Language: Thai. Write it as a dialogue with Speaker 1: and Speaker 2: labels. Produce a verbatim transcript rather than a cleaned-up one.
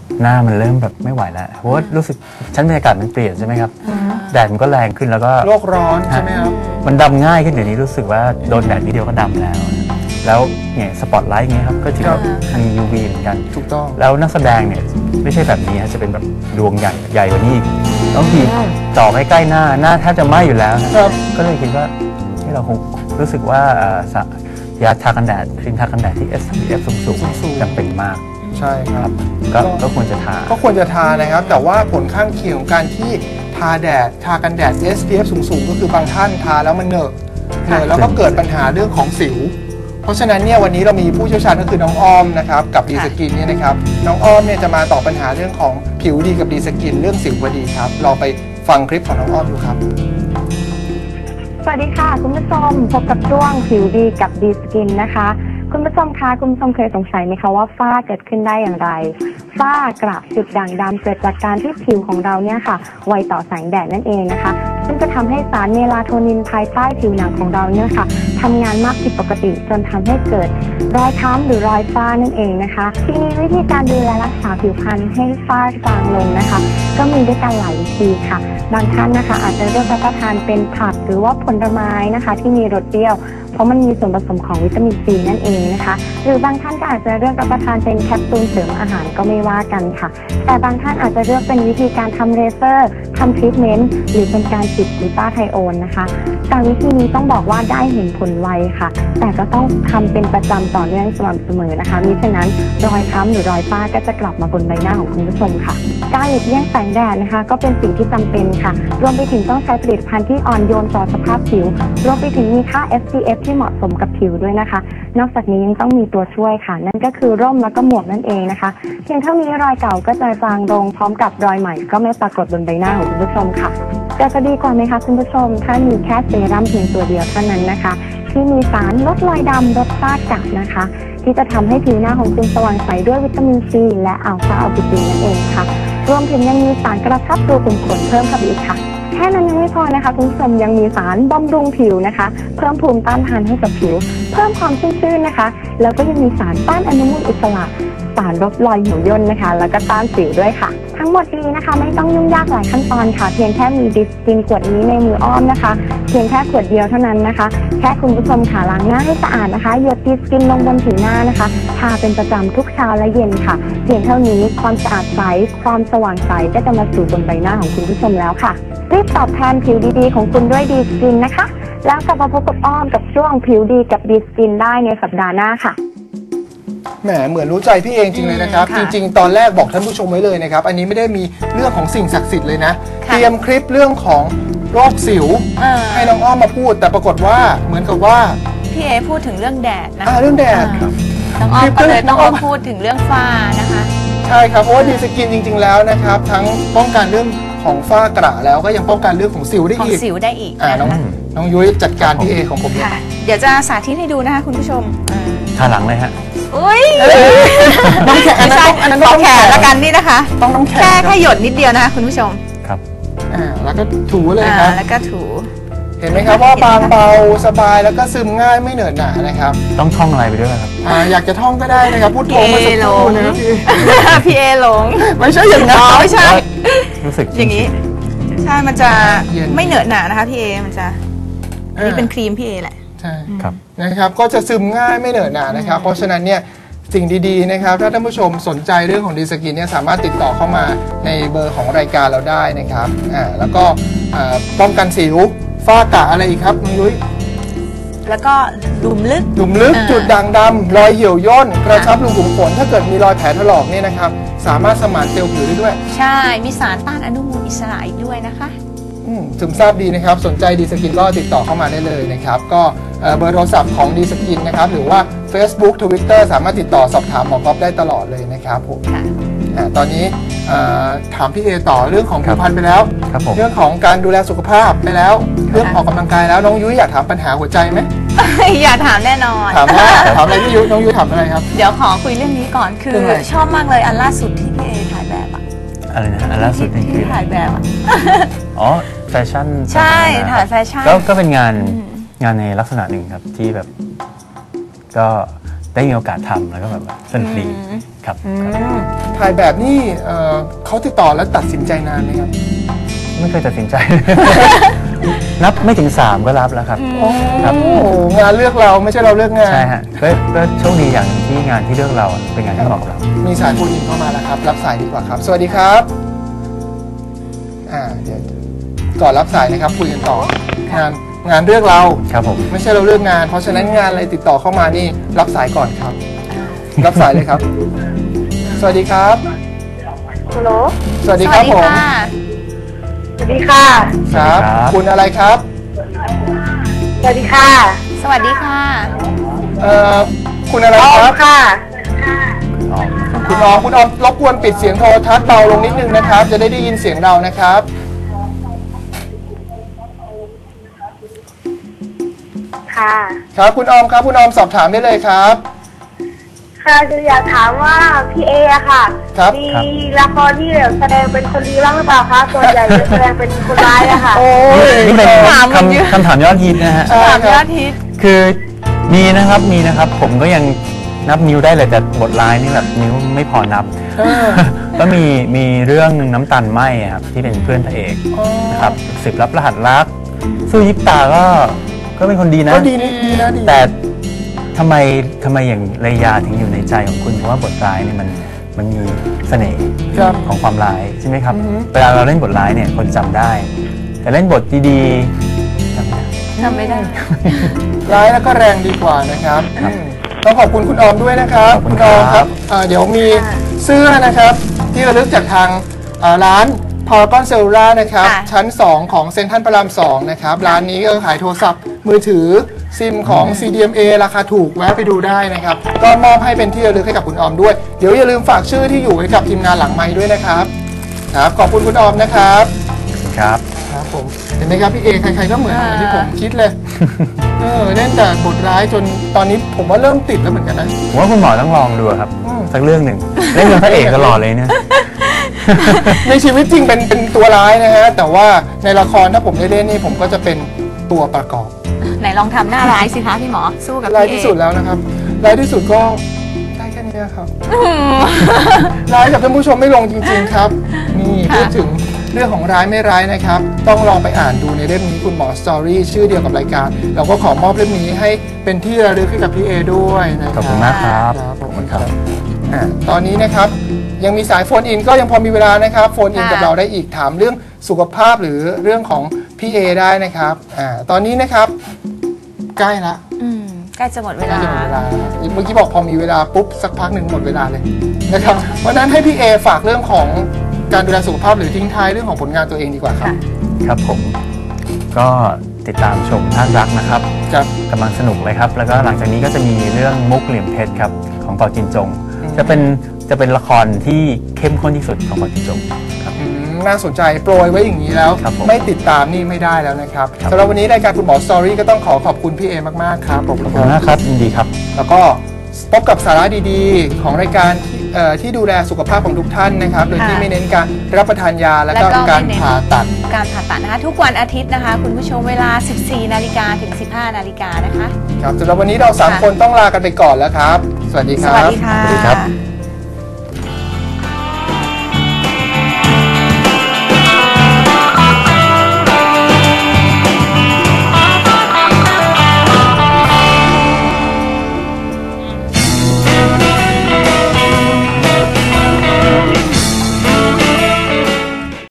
Speaker 1: หน้ามันเริ่มแบบไม่ไหวแล้วเพราะว่ารู้สึกชั้นบรรยากาศมันเปลี่ยนใช่ไหมครับแดดมันก็แรงขึ้นแล้วก็
Speaker 2: โลกร้อนใช่ไหมครับ
Speaker 1: มันดำง่ายขึ้นเดี๋ยวนี้รู้สึกว่าโดนแดดนิดเดียวก็ดำแล้วแล้วเนี่ยสปอตไลท์เงี้ยครับก็ถือว่ามี ยู วี เหมือนกัน
Speaker 2: ถูกต้อง
Speaker 1: แล้วนักแสดงเนี่ยไม่ใช่แบบนี้ฮะจะเป็นแบบดวงใหญ่ใหญ่กว่านี้อีกต้องทีจ่อใกล้ๆหน้าหน้าแทบจะไหม้อยู่แล้วก็เลยคิดว่าที่เราคงรู้สึกว่ายาทากันแดดครีมทากันแดดที่ เอส พี เอฟ สูงๆจำเป็นมาก
Speaker 2: ใช่ครับ
Speaker 1: ก็ควรจะทา
Speaker 2: ก็ควรจะทานะครับแต่ว่าผลข้างเคียงของการที่ทาแดดทากันแดด เอส พี เอฟ สูงๆก็คือบางท่านทาแล้วมันเหนอะเหนอะแล้วก็เกิดปัญหาเรื่องของสิวเพราะฉะนั้นเนี่ยวันนี้เรามีผู้เชี่ยวชาญก็คือน้องอ้อมนะครับกับดีสกินเนี่ยนะครับน้องอ้อมเนี่ยจะมาตอบปัญหาเรื่องของผิวดีกับดีสกินเรื่องสิวพอดีครับลองไปฟังคลิปของน้องอ้อมดูครับ
Speaker 3: สวัสดีค่ะคุณผู้ชมพบกับช่วงผิวดีกับดีสกินนะคะคุณผู้ชมคะคุณผู้ชมเคยสงสัยไหมคะว่าฝ้าเกิดขึ้นได้อย่างไรฝ้ากระจุดด่างดำเกิดจากการที่ผิวของเราเนี่ยค่ะไวต่อแสงแดดนั่นเองนะคะซึ่งจะทำให้สารเมลาโทนินภายใต้ผิวหนังของเราเนี่ยค่ะทำงานมากผิดปกติจนทำให้เกิดรอยค้ำหรือรอยฝ้านั่นเองนะคะทีนี้วิธีการดูแลรักษาผิวพรรณให้ฝ้าจางลงนะคะก็มีด้วยกันหลายวิธีค่ะบางท่านนะคะอาจจะเลือกรับประทานเป็นผักหรือว่าผลไม้นะคะที่มีรสเปรี้ยวเพราะมันมีส่วนผสมของวิตามินซีนั่นเองนะคะหรือบางท่านก็อาจจะเลือกรับประทานเป็นแคปซูลเสริมอาหารก็ไม่ว่ากันค่ะแต่บางท่านอาจจะเลือกเป็นวิธีการทำเลเซอร์ทำทรีทเมนต์หรือเป็นการฉีดกลูตาไทโอนนะคะแต่วิธีนี้ต้องบอกว่าได้เห็นผลไวค่ะแต่ก็ต้องทำเป็นประจำต่อเนื่องสม่ำเสมอนะคะมิฉะนั้นรอยค้ำหรือรอยฝ้าก็จะกลับมาบนใบหน้าของคุณผู้ชมค่ะการหลีกเลี่ยงแสงแดดนะคะก็เป็นสิ่งที่จำเป็นค่ะรวมไปถึงต้องใช้ผลิตภัณฑ์ที่อ่อนโยนต่อสภาพผิวรวมไปถึงมีค่า เอส พี เอฟ ที่เหมาะสมกับผิวด้วยนะคะนอกจากนี้ยังต้องมีตัวช่วยค่ะนั่นก็คือร่มแล้วก็หมวกนั่นเองนะคะเพียงเท่านี้รอยเก่าก็จะจางลงพร้อมกับรอยใหม่ก็ไม่ปรากฏบนใบหน้าของคุณผู้ชมค่ะแต่จะดีกว่าไหมคะคุณผู้ชมถ้ามีแค่เซรั่มเพียงตัวเดียวเท่านั้นนะคะที่มีสารลดรอยดำลดฝ้ากระนะคะที่จะทำให้ผิวหน้าของคุณสว่างใสด้วยวิตามินซีและอัลฟาอัลบิตินนั่นเองค่ะรวมถึงยังมีสารกระชับรูขุมขนเพิ่มเข้าไปอีกค่ะแค่นั้นยังไม่พอนะคะคุณผู้ชมยังมีสารบำรุงผิวนะคะเพิ่มภูมิต้านทานให้กับผิวเพิ่มความชุ่มชื่นนะคะแล้วก็ยังมีสารต้านอนุมูลอิสระสารลดรอยเหี่ยวย่นนะคะแล้วก็ต้านสิวด้วยค่ะทั้งหมดนี้นะคะไม่ต้องยุ่งยากหลายขั้นตอนค่ะเพียงแค่มีดิสกินขวดนี้ในมืออ้อมนะคะเพียงแค่ขวดเดียวเท่านั้นนะคะแค่คุณผู้ชมค่ะล้างหน้าให้สะอาดนะคะหยดดิสกินลงบนผิวหน้านะคะทาเป็นประจำทุกเช้าและเย็นค่ะเพียงเท่านี้ความสะอาดใสความสว่างใสก็จะมาสู่บนใบหน้าของคุณผู้ชมแล้วค่ะรีบตอบแทนผิวดีๆของคุณด้วยดีสกินนะคะแล้วกลับมาพบกับอ้อมกับช่วงผิวดีกับดีสกินได้ในสัปดาห์หน้าค่ะ
Speaker 2: แหมเหมือนรู้ใจพี่เองจริงเลยนะครับจริงๆตอนแรกบอกท่านผู้ชมไว้เลยนะครับอันนี้ไม่ได้มีเรื่องของสิ่งศักดิ์สิทธิ์เลยนะเตรียมคลิปเรื่องของโรคสิวให้น้องอ้อมมาพูดแต่ปรากฏว่าเหมือนกับว่า
Speaker 4: พี่เอพูดถึงเรื่องแดดนะ
Speaker 2: เรื่องแดด
Speaker 4: น้องอ้อมก็เลยต้องมาพูดถึงเรื่องฝ้านะคะ
Speaker 2: ใช่ครับเพราะว่าดีสกินจริงๆแล้วนะครับทั้งป้องกันเรื่องของฝ้ากระแล้วก็ยังป้องกันเรื่องของสิวได้อีก
Speaker 4: ของสิวได้อีก
Speaker 2: น้องน้องยุ้ยจัดการพี่เอของผม
Speaker 4: ค่ะเดี๋ยวจะสาธิตให้ดูนะคะคุณผู้ชม
Speaker 1: ทาหลังเลยฮะ
Speaker 4: อุ้ย
Speaker 2: น้องแขนอันนั้นอันนั้น
Speaker 4: ต้องแขนละกันนี่นะคะ
Speaker 2: ต้องน้องแขน
Speaker 4: แค่แค่หยดนิดเดียวนะคะคุณผู้ชม
Speaker 1: ครับ
Speaker 2: อ่าแล้วก็ถูเลยครับ
Speaker 4: แล้วก็ถู
Speaker 2: เห็นไหมครับว่าบางเบาสบายแล้วก็ซึมง่ายไม่เหนอะหนะนะครับ
Speaker 1: ต้องท่องอะไรไปด้วยครับ
Speaker 2: อ่าอยากจะท่องก็ได้นะครับพูดโทรมาสักครู่นะครับพี่
Speaker 4: พี่เอหลง
Speaker 2: ไม่ใช่อย่างนั้น
Speaker 4: ไม่ใช่
Speaker 1: รู้สึก
Speaker 4: อย่างนี้ใช่มันจะไม่เหนอะหนะนะคะพี่เอมันจะนี่เป็นครีมพี่เอแหละ
Speaker 2: ใช่ครับนะครับก็จะซึมง่ายไม่เหนอะหนะนะครับเพราะฉะนั้นเนี่ยสิ่งดีๆนะครับถ้าท่านผู้ชมสนใจเรื่องของดีสกินเนี่ยสามารถติดต่อเข้ามาในเบอร์ของรายการเราได้นะครับอ่าแล้วก็ป้องกันสิวฝ้ากระอะไรอีกครับน้องยุ้ย
Speaker 4: แล้วก็หลุมลึก
Speaker 2: หลุมลึกจุดด่างดำรอยเหี่ยวย่นกระชับรูขุมขนถ้าเกิดมีรอยแผลถลอกเนี่ยนะครับสามารถสมานเซลล์ผิวได้ด้วย
Speaker 4: ใช่มีสารต้านอนุมูลอิสระอีกด้วยนะคะ
Speaker 2: ซึมซาบดีนะครับสนใจดีสกินก็ติดต่อเข้ามาได้เลยนะครับก็เบอร์โทรศัพท์ของดีสกินนะครับหรือว่า Facebook Twitter สามารถติดต่อสอบถามหมอก๊อฟได้ตลอดเลยนะครับผมตอนนี้ถามพี่เอต่อเรื่องของผิวพรรณไปแล้วเรื่องของการดูแลสุขภาพไปแล้วเรื่องออกกำลังกายแล้วน้องยุ้ยอยากถามปัญหาหัวใจไหม
Speaker 4: อยากถามแน่นอน
Speaker 2: ถามว่าถามอะไรพี่ยุ้ยน้องยุ้ยถามอะไรครับ
Speaker 4: เดี๋ยวขอคุยเรื่องนี้ก่อนคือชอบมากเลยอันล่าสุดที่พี่เอถ่ายแบบอะ
Speaker 1: อะไรนะอันล่าสุด
Speaker 4: ที่ถ่ายแบบอะ
Speaker 1: อ๋อแฟชั่น
Speaker 4: ใช่ถ่ายแฟชั่น
Speaker 1: ก็เป็นงานงานในลักษณะหนึ่งครับที่แบบก็ได้มีโอกาสทำแล้วก็แบบว่าสนุกดีครับ
Speaker 4: อื
Speaker 1: ครับ
Speaker 4: ม
Speaker 2: ถ่ายแบบนี่เอ่อเขาติดต่อแล้วตัดสินใจนานไหมครับ
Speaker 1: ไม่เคยตัดสินใจ นับไม่ถึงสามก็รับแล้วครับ
Speaker 2: โอ้
Speaker 1: ครับ
Speaker 2: งานเลือกเราไม่ใช่เราเลือกงาน
Speaker 1: ใช่ฮะก็ก็โชคดีอย่างที่งานที่เลือกเราอะเป็นงานที่เหมาะกับเรา
Speaker 2: มีสายโฟนอินเข้ามาแล้วครับ รับสายดีกว่าครับ สวัสดีครับอ่าเดี๋ยวก่อนรับสายนะครับคุยกันต่องานงานเลือกเรา
Speaker 1: ครับผม
Speaker 2: ไม่ใช่เราเลือกงาน เพราะฉะนั้นงานอะไรติดต่อเข้ามานี่รับสายก่อนครับ รับสายเลยครับ สวัสดีครับ
Speaker 3: ฮัลโหล
Speaker 2: สวัส
Speaker 4: ส
Speaker 2: ดีค
Speaker 4: วั
Speaker 2: รั
Speaker 4: ส
Speaker 2: บ
Speaker 4: ดี
Speaker 2: ผม
Speaker 4: ค่ะ
Speaker 3: สวัสดีค่ะ
Speaker 2: ครับ คุณอะไรครับ
Speaker 3: สวัสดีค่ะ
Speaker 4: สวัสดีค่ะ
Speaker 2: เอ่อคุณอะไร
Speaker 3: ออ
Speaker 2: ค
Speaker 3: ม
Speaker 2: รับ
Speaker 3: ค่ะ
Speaker 1: อ๋อ
Speaker 2: คุณออมคุณออมรบกวนปิดเสียงโทรทัศน์เบาลงนิดนึงนะครับ จะได้ได้ยินเสียงเรานะครับ
Speaker 3: ค่ะ
Speaker 2: ครับคุณออมครับคุณออมสอบถามได้เลยครับ
Speaker 3: ค่ะคืออยากถามว่าพี่เออะค่ะ
Speaker 2: ครับ
Speaker 3: มีละครที่แบบแสดงเป็นคนดีบ้างหรือเปล่าคะ ส่วนใหญ่จะแสดงเป็นคนร้ายอะค่ะ
Speaker 2: โอ้ย
Speaker 1: นี่เป็น
Speaker 4: ถามมันเยอะ
Speaker 1: คำคำถามยอดฮิตนะฮะ
Speaker 2: ใช่
Speaker 4: ถาม
Speaker 2: ค
Speaker 4: ย
Speaker 2: รั
Speaker 4: อบ ดฮิต
Speaker 1: คือมีนะครับมีนะครับ ผมก็ยังนับนิ้วได้เลยแต่บทร้ายนี่แบบนิ้วไม่พอนับ
Speaker 2: เออ
Speaker 1: ก็มีมีเรื่องน้ำตาลไหมอะครับที่เป็นเพื่อนพระเอก
Speaker 2: อ๋อ
Speaker 1: นะครับสืบรับรหัสรักสู้ยิบตาก็ก็เป็นคนดีนะ
Speaker 2: ก็ดีนี่ดีนะดี
Speaker 1: แต่ทำไมทำไมอย่างเลยาถึงอยู่ในใจของคุณเพราะว่าบทร้ายเนี่ยมันมันมีเสน่ห์
Speaker 2: ครับ
Speaker 1: ของความร้ายใช่ไหมครับ
Speaker 2: อือฮึ
Speaker 1: เวลาเราเล่นบทร้ายเนี่ยคนจำได้ แต่เล่นบทดีๆจำไม่ได้
Speaker 4: ทำไม่ได้
Speaker 2: ร้ายแล้วก็แรงดีกว่านะครับอืมต้องขอบคุณคุณออมด้วยนะครับ
Speaker 1: ขอบคุณ
Speaker 2: ออม
Speaker 1: ครับ
Speaker 2: เอ่อเดี๋ยวมีเสื้อนะครับ ที่ระลึกจากทางเอ่อร้านพารากอนเซลล่านะครับ
Speaker 4: ค่ะ
Speaker 2: ชั้น สอง ของเซ็นทรัลพระรามสองนะครับ ร้านนี้ก็ขายโทรศัพท์มือถือซิมของ ซี ดี เอ็ม เอ ราคาถูกแวะไปดูได้นะครับ ก็มอบให้เป็นที่ระลึกให้กับคุณออมด้วย เดี๋ยวอย่าลืมฝากชื่อที่อยู่ให้กับทีมงานหลังไมค์ด้วยนะครับครับขอบคุณคุณออมนะครับ
Speaker 1: ครับ
Speaker 2: ครับผมเห็นไหมครับพี่เอใครๆก็เหมือนอย่างที่ผมคิดเลย เออเล่นแต่บทร้ายจนตอนนี้ผมว่าเริ่มติดแล้วเหมือนกันนะ
Speaker 1: ผมว่าคุณหมอต้องลองดูครับ
Speaker 2: อืม
Speaker 1: สักเรื่องหนึ่งเล่นเป็นพระเอกตลอดเลยเนี่ย
Speaker 2: ในชีวิตจริงเป็นเป็นตัวร้ายนะฮะ แต่ว่าในละครถ้าผมได้เล่นนี่ผมก็จะเป็นตัวประกอบ
Speaker 4: ไหนลองทำหน้าร้ายสิคะพี่หมอ สู้กับ
Speaker 2: ร้าย
Speaker 4: พี่เอ
Speaker 2: ที่สุดแล้วนะครับร้ายที่สุดก็ได้แค่นี้ครับ
Speaker 4: อืม
Speaker 2: ร้ายกับท่านผู้ชมไม่ลงจริง ๆ ครับ นี่
Speaker 4: ค่ะ
Speaker 2: พูดถึงเรื่องของร้ายไม่ร้ายนะครับ ต้องลองไปอ่านดูในเล่มนี้คุณหมอสตอรี่ชื่อเดียวกับรายการ เราก็ขอมอบเล่มนี้ให้เป็นที่ระลึกให้กับพี่เอด้วยนะค
Speaker 1: ข
Speaker 2: รับ
Speaker 1: อบคุณมากครับ
Speaker 2: ครับขอบคุณครับอ่าตอนนี้นะครับยังมีสายโฟนอินก็ยังพอมีเวลานะครับโฟนอิน
Speaker 4: ค่ะ
Speaker 2: กับเราได้อีกถามเรื่องสุขภาพหรือเรื่องของพี่เอได้นะครับอ่าตอนนี้นะครับใกล้ละ
Speaker 4: อืมใกล้จะหมดเว
Speaker 2: ใกล้
Speaker 4: ลา
Speaker 2: จะหมดเวลาเมื่อกี้บอกพอมีเวลาปุ๊บสักพักหนึ่งหมดเวลาเลยนะครับเพราะฉะนั้นให้พี่เอฝากเรื่องของการดูแลสุขภาพหรือทิ้งท้ายเรื่องของผลงานตัวเองดีกว่าครับ
Speaker 4: ค่ะ
Speaker 1: ครับผมก็ติดตามชมท่านรักนะครับ
Speaker 2: ครับ
Speaker 1: กำลังสนุกเลยครับ แล้วก็หลังจากนี้ก็จะมีเรื่องมุกเหลี่ยมเพชรครับของเปาจินจง
Speaker 2: อืม
Speaker 1: จะเป็นจะเป็นละครที่เข้มข้นที่สุดของเปาจินจงครับ
Speaker 2: อืมน่าสนใจโปรยไว้อย่างนี้แล้ว
Speaker 1: ครับผม
Speaker 2: ไม่ติดตามนี่ไม่ได้แล้วนะครับ
Speaker 1: ครับ
Speaker 2: สำหรับวันนี้รายการคุณหมอสตอรี่ก็ต้องขอขอบคุณพี่เอมากๆครับขอบ
Speaker 1: ข
Speaker 2: คุ
Speaker 1: อบ
Speaker 2: ณ
Speaker 1: คุณมากครับยินดีครับ
Speaker 2: แล้วก็พบกับสาระดีๆ ของรายการที่เอ่อที่ดูแลสุขภาพของทุกท่านนะครับ โดยที่
Speaker 4: ค่ะ
Speaker 2: ไม่เน้นการรับประทานยาและ
Speaker 4: แล้ว
Speaker 2: ก็
Speaker 4: ก็
Speaker 2: การ
Speaker 4: ไม่เน้น
Speaker 2: ผ่าตัด
Speaker 4: การผ่าตัดนะคะ ทุกวันอาทิตย์นะคะ คุณผู้ชมเวลา สิบสี่นาฬิกาถึง สิบห้านาฬิกานะคะ
Speaker 2: ครับสำหรับวันนี้เราสาม
Speaker 4: ค่ะ
Speaker 2: คนต้องลากันไปก่อนแล้วครับ สวัสดีค
Speaker 4: ส
Speaker 2: รับ
Speaker 4: วัสดีค่ะ
Speaker 1: สวัสดีครับ